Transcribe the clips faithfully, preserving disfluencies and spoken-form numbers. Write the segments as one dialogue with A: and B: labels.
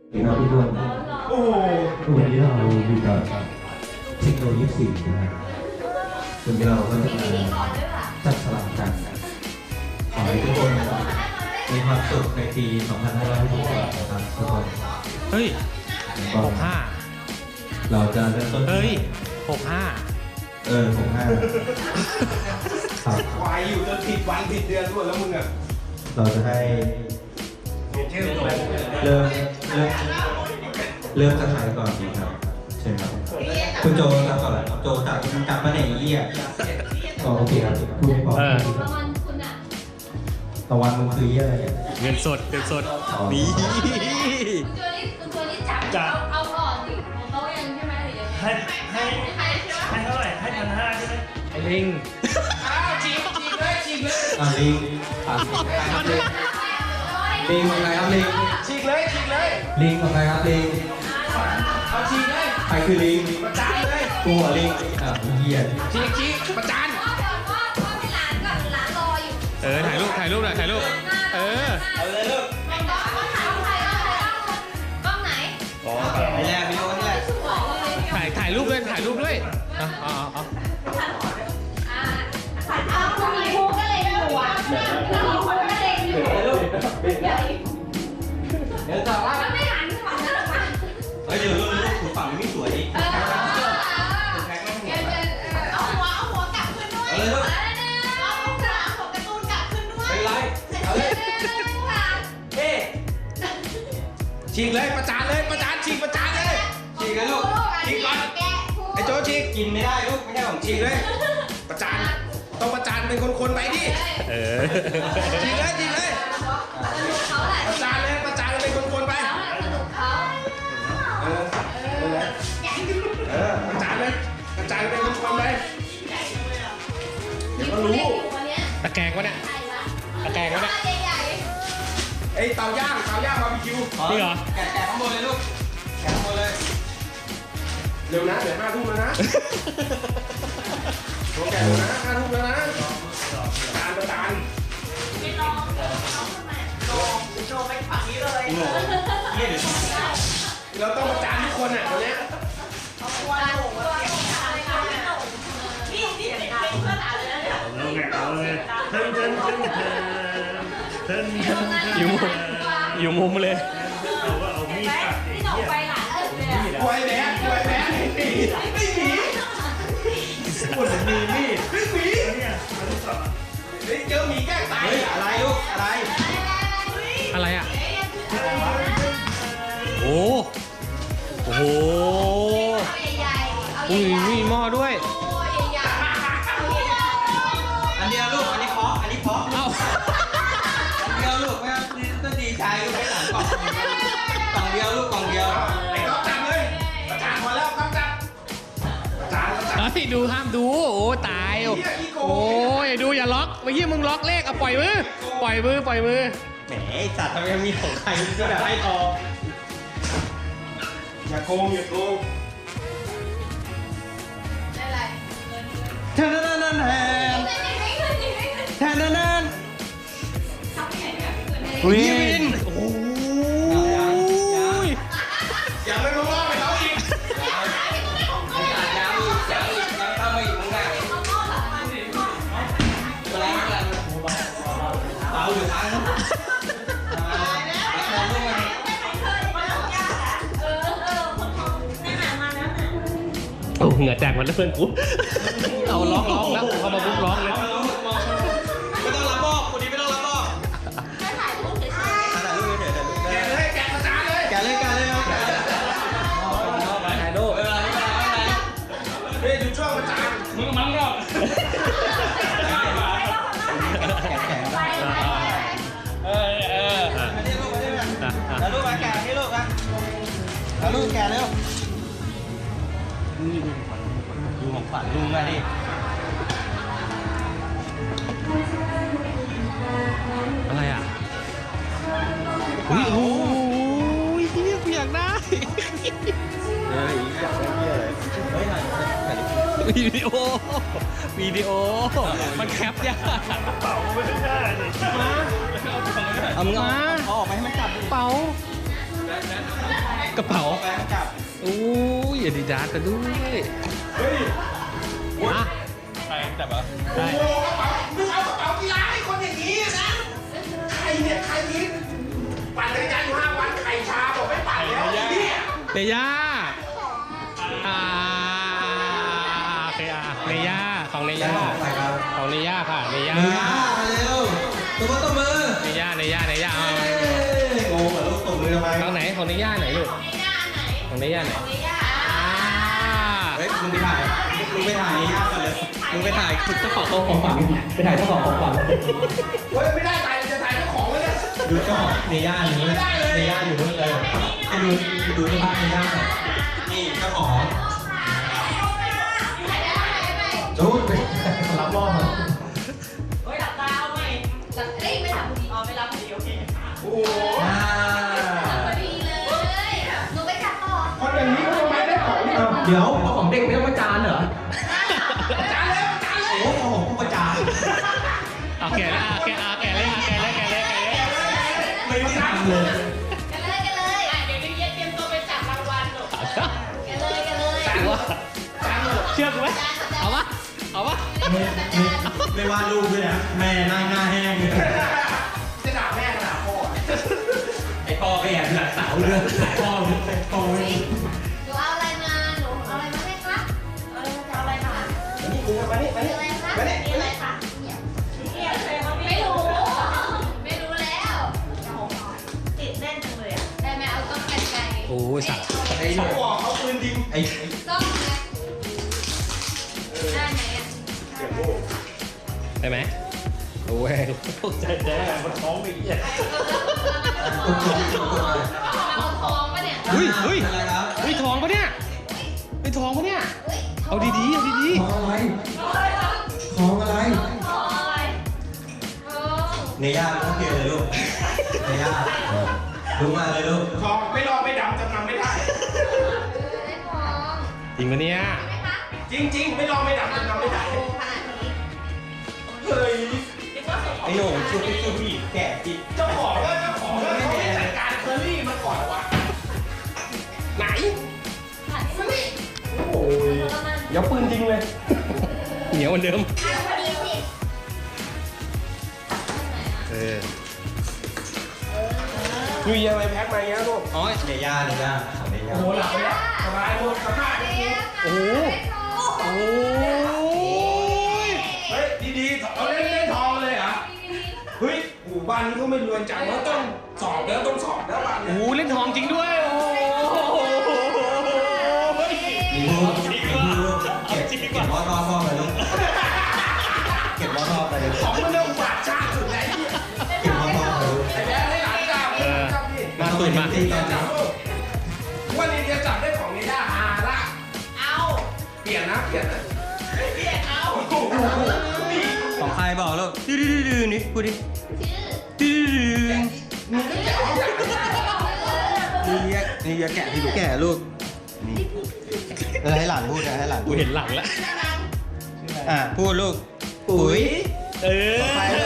A: ดีครับทุกคนโอ้โหวันนี้เราอยู่กับเทคโนโลยีสี่นะครับวันนี้เราก็จะมาจัดสลับกันขอให้ทุกคนมีความสุขในปีสองพันห้าร้อยหกสิบนะครับทุกคน
B: เฮ้ยหกห้า
A: เราจะเริ่มต้น
B: เฮ้ยหกห้า
A: เออหกห้าครับ
C: วายอยู่จนผิดวันผิดเดือนด้วยแล้วมึงอ่ะ
A: เราจะให้
C: ชื่อ
A: เริ่มเริ่มเริ่มจากใครก่อนดีครับใช่ครับคุณโจครับก่อนเลยโจจากกลับมาไหนเยี่ยอ๋อโอเคครับพูดไม่พอ
B: เออ
D: ประมาณคุณอะ
A: ตะวันมันคือเยี่ยอะไรเนี่ย
B: เงินสดเงินสด
A: อ๋อ
B: นี่
D: คุณตัวนี้คุณตัวนี้จับเอาเอาก่อนดิของเขายังใช่ไหมหรือยังไง
E: ให้ให้
D: ใครใช่ไหม
E: ให้เท่าไหร่ให้พันห้าใช่ไหม
B: ไอ้ลิง
C: อ้าวฉีกฉีกเลยฉีกเลย
A: อ่ะลิงอ่ะลิงของใครครับลิง
C: ฉีกเลยฉีกเลย
A: ลิงของใครครับลิง
C: เอาฉีกเลย
A: ใครคือลิง
C: ประจานเลย
A: กูเหรอลิงอ่ะเยี่ย
C: ฉีกฉีกประจาน
D: พ่อเดี๋ยวพ่อพ่อให้หลานก่อนหลานรออยู่
B: เออถ่ายรูปถ่ายรูปหน่อยถ่ายรูปเออ
C: เอาเลยลูก
D: กล้องถ่ายกล้องถ่ายกล้องไหน
B: อ๋อ
C: ไอ้แรกวิดีโอนี่แหละ
D: สวยเลย
B: ถ่ายถ่ายรูปด้วยถ่ายรูปด้วยอ่ะอ๋ออ๋อ
D: อ่าเอาคุณมีภูก็เลยอยู่อ่ะแล้วมีคนก็เลยอยู่ใหญ่
C: เดี๋ยวต่อว่า
D: แล้วไม่หันฝั่งนั้นหรอคะ
C: เฮ้ยเดี๋ยวลูกลูกฝั่งนี้ไม่สวย
D: เออเอาหัวเอาหัวกลับขึ้นด้วยเอาหัวเอาหัวกลับหัวการ์ตูนกลับขึ้นด้วย
C: เป็นไรเอาเลยเฮ้ฉีกเลยประจานเลยประจานฉีกประจานเลยฉีกเลยลูกฉีกก่อนไอ้โจฉีกกินไม่ได้ลูกไม่ใช่ของฉีกเลย ประจานต้องประจานเป็นคนๆไปดิ
B: เออ
C: ฉีกเลยฉีกเลย
D: สนุกเขาแหละ
C: ประจานเลยประจานเป็นคนๆไป
D: เขาแหละสนุกเขา
C: เออเออประจานเลยประจานเป็นคนๆไปเดี๋ยวก็รู้
D: วันนี้
B: ตะแกรงวะเนี่ย
D: ใช่ละ
B: ตะแกรงวะเนี่ย
D: ใหญ่
C: ไอ้เตาย่างเตาย่างบาร์บีคิว
B: จริงเหรอ
C: แกะแกะข้างบนเลยลูกแกะข้างบนเลยเร็วนะเดี๋ยวห้าทุ่มแล้วนะโอแกะเร็วนะห้าทุ่มแล้วนะประจานประจาน
D: ๆไม่ลองเอาขึ้นมาลองโชว์ไปฝั่งนี้เลย
C: เราต้องประจานทุกคนอ่ะตอนเนี้ย
D: เอาตัวหลงตัวหลงอะไรกันนี่นี่เป็นเพื่อนอะไรนะเนี่ย
E: เอาไงเอาเลยเทินเทินเทินเทินเทินเทิน
B: อยู่มุมอยู่มุมเลย
E: เอาว่าเอามีดตัดไอ้
D: ที่หน
E: เหี้ย
D: ไปหลานเออเลย
C: กล้วยแบกกล้วยแบกไม่มีไม่มี
E: คนมีมีด
C: ไม่มี
E: เนี่ยมันต้องตัด
C: เฮ้ยเจอหมีแกล้งตายอะไรลูกอะไร
B: อะไรอ่ะโอ้โอ้โห
D: เอาใหญ่ๆเอา
B: อุ้ย
D: ใหญ่
B: มีหม้อด้วย
D: ๆโอ้ใหญ่ๆเอาใหญ่
C: อันเดียวลูกอันนี้เพาะอันนี้เพาะ
B: เอ้า
C: อันเดียวลูกไม่ต้องดีใจลูกไม่หลังกล่องกล่องเดียวลูกกล่องเดียวไอ้ก๊อฟจับเลยประจานพอแล้วก๊อฟจับประจานประจาน
B: เฮ้ยดูห้ามดูโอ้ตายโอ้โอ้ยดูอย่าล็อกเมื่อกี้มึงล็อกเลขเอาปล่อยมือปล่อยมือปล่อยมือ
C: แหมไอ้สัตว์ทำไมมีของใครก็แบบให้ต่ออย่าโกงอย่าโกง
D: ๆได้ไรเงิน
C: แทนนั่นนั่นแทน
D: ไม่ขึ้นไม่ขึ้นไม่ขึ้น
C: แทนนั่นนั่น
D: ทำยังไงเนี่ย
B: วินโอ้ย
C: อย่าไม่มาว่าไปเขาอีกยังอีกยังอีกยังเข้ามาอีกมึงอ่ะอะไรอะไรเอาอยู่ทางนู้นเอาลูกมา
B: โอ้เหงื่อแตกหมดแล้วเพื่อนกูเอาร้องร้องแล้วเขามาบุกร้องเลย
C: ไม่ต้องรับบอกคนนี้ไม่ต้องรับบอกถ่ายรูปเฉยๆแกะเลยแกะประจานเลยแกะเลยแกะเลยแกะเลยถ่ายรูปเวลาไม่ได้ไม่ได้เฮ้ยดูช่วงประจานมึงมั้งรอบแกะแกะ
B: เออเออ
C: มาดิลูกมาดิมาถ่ายรูปมาแกะนี่ลูกนะถ่ายรูปแกะเร็วดูของขวัญลุงมาดิ
B: อะไรอ่ะอุ้ยโอ้ยเฮียกูอยากได้
C: เฮ้ยอยากได้เหี้ยเลยเฮ้ยถ่ายถ่ายรูป
B: วิดีโอวิดีโอมันแคปยาก
E: เป่าไม่ได้เลย
C: เอามึงเอาเอาออกไปให้มันจับดิ
B: เป๋ากระเป๋า
C: แบงค์จับ
B: โอ้ยอาดิดาสกันด้วย
C: เฮ้ย
B: อ่ะ
E: ใครจับเหรอ
B: ใช่
C: โอ้กระเป๋ามึงเอากระเป๋ากีฬาให้คนอย่างนี้นะใครเนี่ยใครยิงปั่นจักรยานอยู่ห้าวันไข่ชาบอกไม่ปั่นแล้วเนี่ย
B: เนย่าอ่าโอเคอ่ะเนย่าของเนย่าของเนย่าค่ะเนย่า
C: เฮ้ยมาเร็วตัวตัวมือ
B: เนย่าเนย่าเนย่าเอา
C: โอ้โหลูกตบมือทำไม
B: ของไหนของเนย่าไหนลูก
D: ในย่าไหน
B: ของเนย่าไหน
D: ในย่า
B: อ่า
C: เฮ้ยมึงไปถ่ายมึงไปถ่ายนี่ยากกันเลยมึงไปถ่ายคุณเจ้าของ
A: ของฝังไปถ่ายเจ้าของของฝัง
C: เฮ้ยไม่ได้ถ่ายจะถ่ายเจ้าของเลยเนี่ย
A: ดูเจ้าของในย่านนี้ในย่านอยู่นู่นเลยให้ดูดูสภาพในย่านหน่อย
C: นี่เจ้าของ
A: จูดไปรับรอบมา
D: เฮ้ยหลับตาเอาไหมหลับเอ้ยไม่หลับดีอ๋อไม่หลับดีโอเค
C: โอ้โห
A: อ่า
D: พอดีเลยหนูไปจับต่อ
C: คนอย่างนี้เขาทำไมได้ของเนี่ย
A: เดี๋ยวเอาของเด็กไม่ต้องมาจานเหรอ
C: จานแล้วจานแล้ว
A: โอ้โหของผู้ประจาน
B: เอาแกะเลยเอาแกะเอาแกะเลยเอาแกะเลยแกะเลยแกะเลย
C: ไม่ได้ทำเลย
D: กันเลยกันเลยอ่ะเดี๋ยวพี่เย็นเตรียมตัวไปจับรางวัลหนูกันเลยกันเลย
B: จางวะเชื่อกูไหมเอาปะเอาปะ
A: ไม่ไม่ไม่วาดรูปด้วยนะแม่นั่งหน้าแห้งเลย
C: จะด่าแม่ด่าพ่อ
A: ไอ้พ่อไปแอบหลังเสาเรื่องพ่อพ่อไม่
D: หนูเอาอะไรมาหนูเอาอะไรมาให้คะเอาอะไรมาเอาอะไรมา
C: นี่มึงมานี่มา
D: มี
C: นี่
D: อะไรคะ
C: มานี่
D: มีอะไรคะไม่รู้ไม่รู้แล้วติดแน่นจังเลยอ่ะได้ไหมเอาต้องกันไกล
B: โอ้ยสัตว์
C: ไอ้หนูบอกเขาปืนยิง
A: ไอ้
D: ต้องไหมได้ไหมอ่ะ
B: ได้ไหมโอ้ย
E: ใจแจ๊มันท้องอีกเนี่ย
A: ตุ๊กตุ๊กตุ๊กตุ๊ก
D: เอาทองปะเนี่ย
B: เฮ้ยเฮ้ย
C: อะไรครับ
B: เฮ้ยทองปะเนี่ยเฮ้ยทองปะเนี่ย
D: เฮ้ย
B: เอาดีๆเอาดี
A: ของอะไรของอะไร
D: ทองทอง
C: เนย่าลูกเพียเลยลูกเนย่าลูกมาเลยลูกทองไม่รอไม่ดำจำนำไม่ได้
D: ได้ทอง
B: ๆจริงปะเนี่ย
D: ใช่ไหมคะ
C: จริงๆ ไม่รอไม่ดำจำนำไม่ได้
D: โอ้ขนาดนี้
C: เฮ้ยไอ้หนูช่วยช่วยผู้หญิงแก่จิเจ้าของก็เจ้าของก็เขาไม่จัดการเคอรี่มันก่อนวะไหน
D: ขนาดนี้
C: โอ้ย
B: เดี๋ยวปืนจริงเลย เหนียวเหมือนเดิม
D: อ่ะพอดีสิ
B: เออ
C: ยูเยียไปแพ็คมาอย่างเงี้ยลูก
B: อ๋อ
C: เนย่าเนย่าของเนย่า
D: โอ้
C: โอ้หลับไปแล้วสบายลูกสภาพ
D: เดี๋
C: ดี
D: ยว
B: โอ้โห โอ้ย
C: เฮ้ยดีๆเอาเล่นเล่นทองเลยเหรอเฮ้ยหมู่บ้านนี้เขาไม่รวยจังแล้วต้องสอบแล้วต้องสอบแล้วบ้าน
B: โอ้
C: นี้
B: โหเล่นทองจริงด้วย โอ้โห
A: มีรูปมีรูปเก็บเก็บวอดรอบพ่อไปลูกเก็บวอดรอบไปลูก
C: ของมันเรื่องบาดชาติสุดแล้วเนี่ย
A: เก็บวอดรอบไปลูก
C: ไอ้แบ๊ให้หลานจับ
B: เออ
C: จับพี่
B: มาตุนมา
A: ตีกัน
C: จั
A: นะ
C: บลูกวันนี้จะจับได้ของเนย่าฮาละ
D: เอา
C: เปลี่ยนนะเปลี่ยนนะ
D: เรียกเอา
C: ของใครบอกลูกดื้อดื้อนี่พูดดิ
D: ชื่อ
C: ดื้อนี่นี่อย่าแกะที่ลูกแกะลูกนี่เออให้หลานพูดนะให้หลาน
B: กู
C: พูด
B: เห็นหลังแล้ว
C: อ่ะพูดลูกปุ๋ย
B: เออ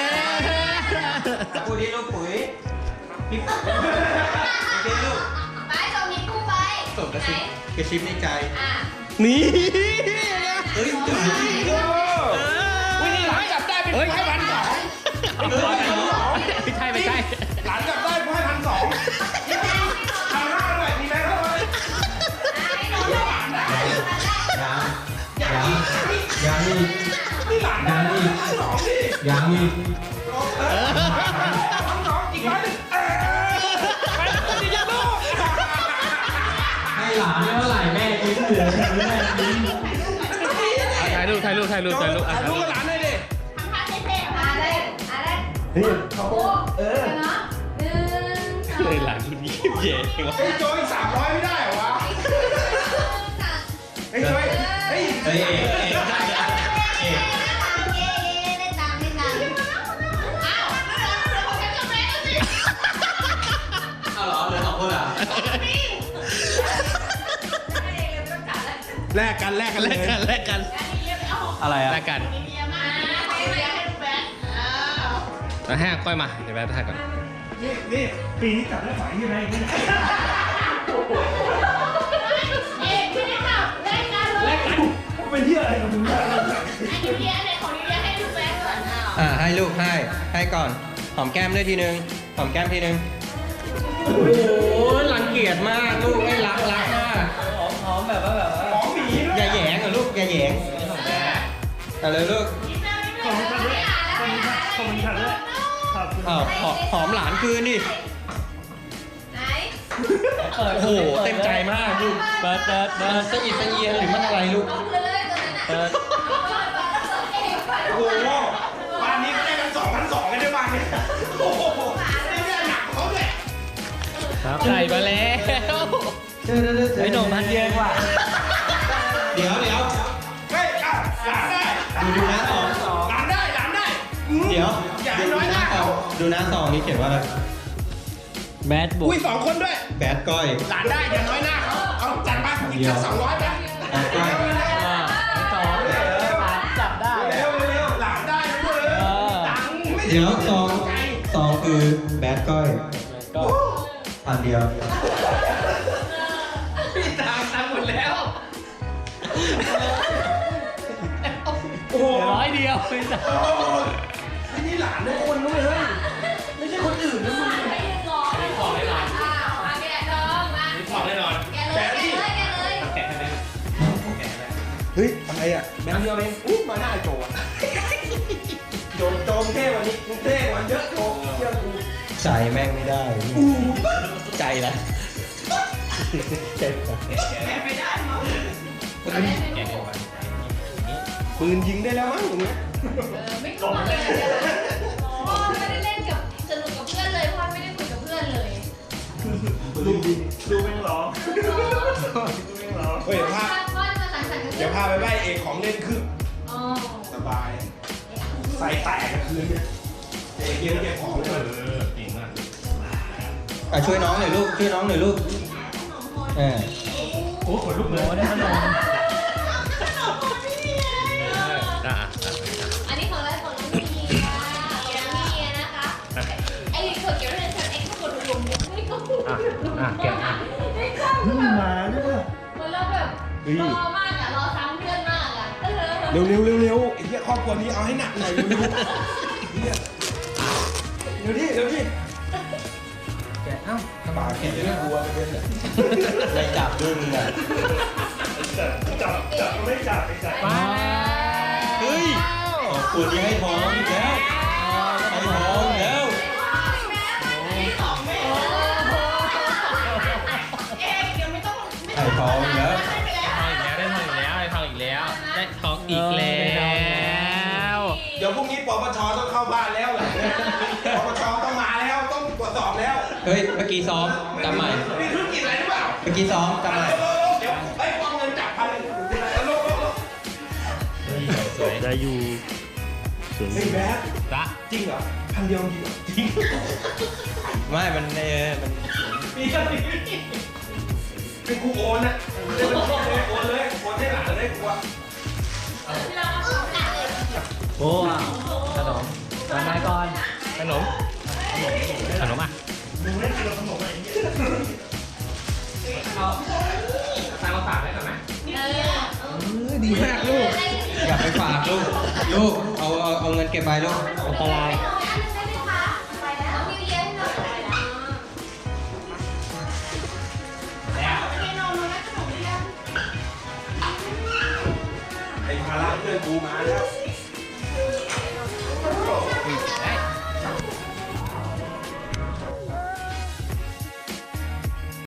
C: พูดดิลูกปุ๋ยพี่โอเคลูก
D: ไปส่งนิ้วไป
C: ส่งกระ
D: ไหน
C: ซิบกระซิบในใจ
D: อ่ะ
B: นี่
C: เฮ้ยจุดจริงวิ่งหลานจับได้เป็นผู้ให้พันสอง
B: ไม่ใช่ไม่ใช่
C: หลานจับได้ผู้ให้พันสองพันห้าด้วยมีไหมครับ
D: ให้น้องได้หลานได้
A: ยังยังยังอีก
C: นี่หลานได้พันสองดิ
A: ยังอีก
C: เออพันสองอีกร้อยหนึ่งเออไปแล้วจะยังลูก
A: ให้หลานไม่เท่าไหร่แม่ยิ้มเหลือแม่ยิ้ม
B: ถ่ายรูปถ่ายรูปถ่ายรูปถ่ายรูปอ่ะ
C: ถ่ายรูปกับหลานหน่อยดิ
D: ทำท่าเท่ๆมาเลยอ่ะได้
A: นี่
D: โอ้โหเออเนาะหนึ่งสอง
B: เฮ้ยหลังคุณยิ้มเย่วะ
C: ไอ้โจอีกสามร้อยไม่ได้เหรอวะไอ้โจยเฮ้ย
A: เฮ้ยเอกเอก เอาเหรอเหลือสองคนเหรอ
C: แลกกันแลกกัน
B: แลกกันแลกกัน
C: อะไรอ่ะ
B: แลกกันแล้วให้ค่อยมา เดี๋ยวแป๊บถ่ายก่อน
E: นี่ปีนี้จับได้ไหวยังไงเนี่ย
C: อ่าให้ลูกให้ให้ก่อนหอมแก้มด้วยทีนึงหอมแก้มทีนึงโอ้โหรังเกียจมากลูกไม่รักรักมากหอมหอมแบบว่าแบบว่าหอมหมีอย่าแหยงเหรอลูกอย่าแหยงเอาเลยลูก
E: ขอบคุณค่ะด้วยขอบคุณค่ะขอบคุณค่ะด้วยขอบคุณ
C: อ้าวหอมหอมหลานคืนดิ
D: ไหน
C: โอ้โหเต็มใจมากลูกเปิดเปิดเปิดสะอิดสะเอียนหรือมันอะไรลูก
D: เอาเลยตัวนั้นอ่ะ
C: เปิด
E: โอ้โหบ้านนี้ก็ได้กันสองพันสองกันด้วยบ้านนี้โอ้โหได้เรื่องหนักเขาด้วย
B: ครับใส่มาแล้วไอ้หนุ่มพันเยอะกว่า
C: เดี๋ยวเดี๋ยว
E: เฮ้ยอ่ะหลานได้
C: ดูดูนะสอง
E: หลานได้หลานได้
C: เดี๋ยว
E: อย่าให้น้อยหน้าเขา
C: ดูนะสองนี่เขียนว่าอะไร
B: แบดบุก
E: อุ้ยสองคนด้วย
C: แบดก้อย
E: หลานได้อย่าน้อยหน้าเขาเอาจัดไปอีกสักสองร้อยไป
C: แบดก้อย
B: อ่าสองจับได้
E: เร็วเร็วหลานได้ด้วย
B: เออ
E: ตังค์ไม่
C: เดี๋ยวสองสองคือแบดก้อย
B: ก็
C: อันเดียว
E: พี่ตังค์ตังค์หมดแล้วโอ้โห
B: ร้อยเดียวไม่ได้
E: โอ้โหนี่หลานทุกคนด้วยเฮ้ยไม่ใช่คนอื่นนะมึง
D: ไม่ได้ร้อนไม่ของได้หรออ้าวมาแกะดองมา
E: บอกแน่นอน
D: แกะเลยแกะเลยแกะเลย
E: เฮ้ยอะไรอ่ะแบงค์เดียวเองอู้มาหน้าโจอ่ะโจโจมเท่วันนี้มึงเท่กว่าเยอะโจเชื่อกู
C: ใจแม่งไม่ได้ใจละใจละ
E: ไม่ได้มั้งปืนยิงได้แล้วมั้งอย่างเงี้ย
D: ไม่กลัวเลยพ่อไม่ได้เล่นกับสนุกกับเพื่อนเลยพ่อไม่ได้คุยกับเพื่อนเลย
E: ดูดูแม่งร้องดูแม่งร้องเฮ้ยพา
D: พ่อจะมาสั่งสรรค์กับเพื่
E: เดี๋
D: อ
E: ยวน พาไปไหว้เอกของเล่นคือ
D: อ๋อ
E: สบายใส่แตกกันคืนเนี่ยเอกเก็บเก็บของเลยเออเก่งมาก
C: อ่ะช่วยน้องหน่อยลูกช่วยน้องหน่อยลูกเออ
E: โอ้ขนลุกเลย
B: ได้ขนมอ่ะ
D: อันนี้ของอะไรของน้องมีค่ะน้องมีนะคะไอ้ขวดเกี่ยวกับเรื่องไอ้ขวดรวมๆไม่ก็พูด
B: อ่ะอ่ะแกะอ่ะ
D: ไม่ก็พูดมาด้วยมันเราแบบรอมากอ่ะรอซ้ำเพื่อนมากอ่ะ
E: เร็วเร็วเร็วเร็วไอ้เหี้ยครอบครัวนี้เอาให้หนักหน่อยเร็วเร็วเหี้ยเร็วดิเร็วดิ
C: แกะเอ้า
E: ปากแข็งเลยบัวไปเป็นเลย
C: ไม่จับด้วยมึงอ่ะ
E: จับจับจับไม่จับไม่จับ
B: มา
C: เฮ้ยขอบคุณที่ให้ท้องอีกแล้วให้ท้องอีกแล้ว
D: เอ๊ะเดี๋ยวไม่ต้องไม่
C: ให้ท้องอีกแล้ว
B: ทองอีกแล้วได้ทองอีกแล้วได้ทองอีกแล้วได้ทองอีกแล้ว
E: เดี๋ยวพรุ่งนี้ปปชต้องเข้าบ้านแล้วแหละปปชต้องมาแล้วต้องตรวจสอบแล้ว
C: เฮ้ยเมื่อกี้ซ้อมจำใหม่
E: มีธุรกิจอะไรหรือเปล่า
C: เมื่อกี้ซ้อมจำใหม่
E: เดี๋ยวไอ้กองเงินจับพันแล้วลบลบลบ
B: สวยได้อยู่สวย
E: เฮ้ยแบท
B: ละ
E: จริงเหรอพันเดียวจริงเหรอจริง
C: ไม่มันเออมัน
E: มีกันดิเป็นครูโอนอะเป็นครูโอนโอนเลยโอนให้หลานเลยครูอะ
B: โอ้ขนมวันไหนก่อนขนมขนมอ่ะ
E: มึงเล่นกินขนมอะไรอย่างเงี้ย
B: ตามมาฝากได้ก่อนไหม
C: ดีมากลูกอย่าไปฝากลูกลูกเอาเอาเอาเงินเก็บไปลูกอันตราย
D: น้องนิวเยียร์ให้หน่อยแล้วนอนนอนได้ขนมหรือยัง
E: ไอ้ภาระเพื่อนกูมาแล้ว
D: เ